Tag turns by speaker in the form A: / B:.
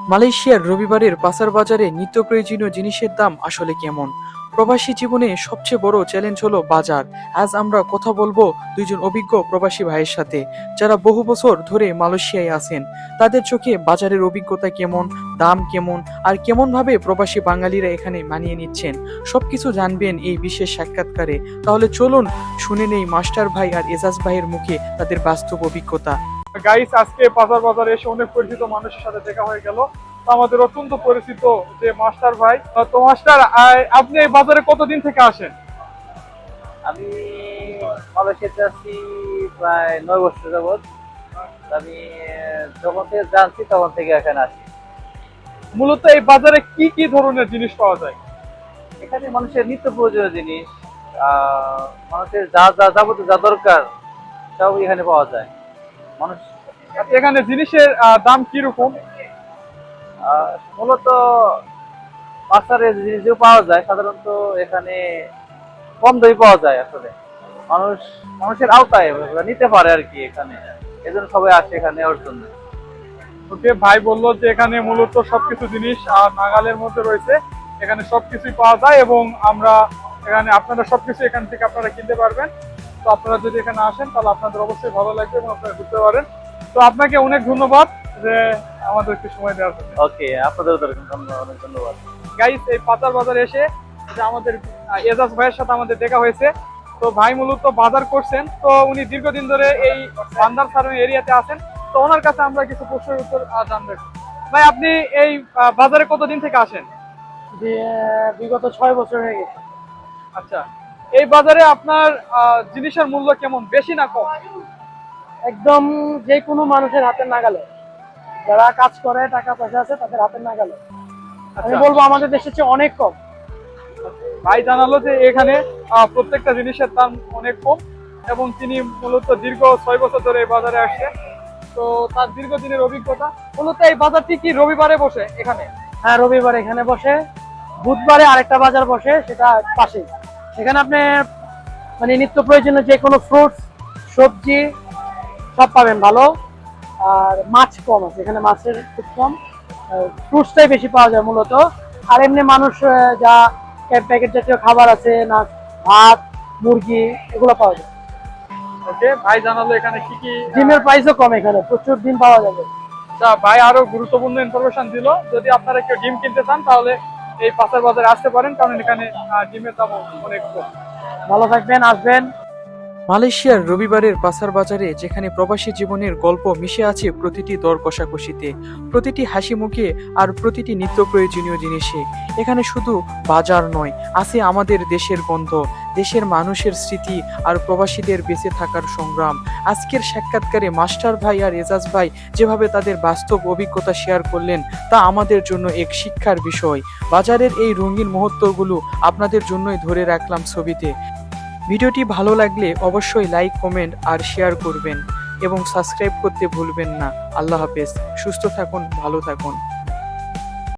A: মালয়েশিয়ার রবিবারের পাসার বাজারে নিত্য প্রয়োজনীয় জিনিসের দাম আসলে কেমন? প্রবাসী জীবনে সবচেয়ে বড় চ্যালেঞ্জ হলো বাজার। আজ আমরা কথা বলবো দুইজন অভিজ্ঞ প্রবাসী ভাইয়ের সাথে, যারা বহু বছর ধরে মালয়েশিয়ায় আছেন। তাদের চোখে বাজারের অভিজ্ঞতা কেমন, দাম কেমন, আর কেমন ভাবে প্রবাসী বাঙালিরা এখানে মানিয়ে নিচ্ছেন, সবকিছু জানবেন এই বিশেষ সাক্ষাৎকারে। তাহলে চলুন শুনে নেই মাস্টার ভাই আর এজাজ ভাইয়ের মুখে তাদের বাস্তব অভিজ্ঞতা।
B: গাইস, আজকে বাজার বাজারে এসে অনেক পরিচিত মানুষের সাথে দেখা হয়ে গেল। তো আমাদের অত্যন্ত পরিচিত যে মাস্টার ভাই। তো মাস্টার, আপনি এই বাজারে কতদিন থেকে আসেন?
C: আমি মালয়েশিয়াতে আছি প্রায় 9 বছর যাবৎ। আমি যখন থেকে জানছি তখন থেকে এখানে আসি।
B: মূলত এই বাজারে কি কি ধরনের জিনিস পাওয়া যায়?
C: এখানে মানুষের নিত্য প্রয়োজনীয় জিনিস, মানুষের যা যা যাবতীয় যা দরকার সব এখানে পাওয়া যায়। মানুষ
B: এখানে জিনিসের দাম কিরকম?
C: মূলত বাজারে যে জিনিসগুলো পাওয়া যায় সাধারণত এখানে কম দামে পাওয়া যায়। আসলে মানুষের আওতায় ওরা নিতে পারে আর কি। এখানে এজন্য সবাই আসে এখানে নেওয়ার জন্য।
B: ওকে, ভাই বললো যে এখানে মূলত সবকিছু জিনিস নাগালের মধ্যে রয়েছে। এখানে সবকিছুই পাওয়া যায় এবং আপনারা সবকিছু এখান থেকে আপনারা কিনতে পারবেন। তো আপনারা যদি এখানে আসেন তাহলে আপনাদের অবশ্যই ভালো লাগবে এবং আপনারা ঘুরতে পারেন। তো আপনাকে অনেক ধন্যবাদ যে আমাদেরকে সময় দেওয়ার জন্য।
C: ওকে, আপনাদেরও অনেক ধন্যবাদ।
B: গাইস, এই পাতার বাজারে এসে যে আমাদের এজাজ ভাইয়ের সাথে আমাদের দেখা হয়েছে। তো ভাই মূলত বাজার করছেন, তো উনি দীর্ঘদিন ধরে এই বান্দার সারণ এরিয়াতে আছেন। তো ওনার কাছে আমরা কিছু প্রশ্নের উত্তর জানতে। ভাই, আপনি এই বাজারে কতদিন থেকে আসেন?
D: বিগত 6 বছর হয়ে গেছে।
B: আচ্ছা, এই বাজারে আপনার জিনিসের মূল্য কেমন, বেশি না কম?
D: একদম যে কোনো মানুষের হাতের নাগালে, যারা কাজ করে টাকা পয়সা আছে তাদের হাতের নাগালে। আমি
B: আচ্ছা,
D: বলবো আমাদের দেশের চেয়ে অনেক কম।
B: ভাই জানালো যে এখানে প্রত্যেকটা জিনিসের দাম অনেক কম এবং তিনি মূলত দীর্ঘ 6 বছর ধরে এই বাজারে আসছে। তো তার দীর্ঘদিনের অভিজ্ঞতা। মূলত এই বাজারটি কি রবিবারে বসে এখানে?
D: হ্যাঁ, রবিবার এখানে বসে, বুধবারে আরেকটা বাজার বসে, সেটা পাশেই। সেখানে আপনি মানে নিত্য প্রয়োজনীয় যে কোনো ফ্রুটস, সবজি সব পাবেন ভালো। আর মাছ কম আছে এখানে, মাছের খুব কম, ফ্রুটসটাই বেশি পাওয়া যায় মূলত। আর এমনি মানুষ যা প্যাকেট জাতীয় খাবার আছে না, ভাত, মুরগি, এগুলো পাওয়া যায়।
B: ওকে, ভাই জানালো এখানে কি কি।
D: ডিমের প্রাইসও কম, এখানে প্রচুর ডিম পাওয়া যাবে।
B: ভাই আরো গুরুত্বপূর্ণ ইনফরমেশন দিল, যদি আপনারা কেউ ডিম কিনতে চান তাহলে এই পাশের বাজারে আসতে পারেন, কারণ এখানে ডিমের দাম অনেক কম।
D: ভালো থাকবেন, আসবেন।
A: মালয়েশিয়ার রবিবারের পাসার বাজারে যেখানে প্রবাসী জীবনের গল্প মিশে আছে প্রতিটি দর কষাকষিতে, প্রতিটি হাসি মুখে, আর প্রতিটি নিত্য প্রয়োজনীয় জিনিসে। এখানে শুধু বাজার নয়, আছে আমাদের দেশের গন্ধ, দেশের মানুষের স্মৃতি, আর প্রবাসীদের বেঁচে থাকার সংগ্রাম। আজকের সাক্ষাৎকারে মাস্টার ভাই আর এজাজ ভাই যেভাবে তাদের বাস্তব অভিজ্ঞতা শেয়ার করলেন, তা আমাদের জন্য এক শিক্ষার বিষয়। বাজারের এই রঙিন মুহূর্তগুলো আপনাদের জন্যই ধরে রাখলাম ছবিতে। ভিডিওটি ভালো লাগলে অবশ্যই লাইক, কমেন্ট আর শেয়ার করবেন এবং সাবস্ক্রাইব করতে ভুলবেন না। আল্লাহ হাফেজ, সুস্থ থাকুন, ভালো থাকুন।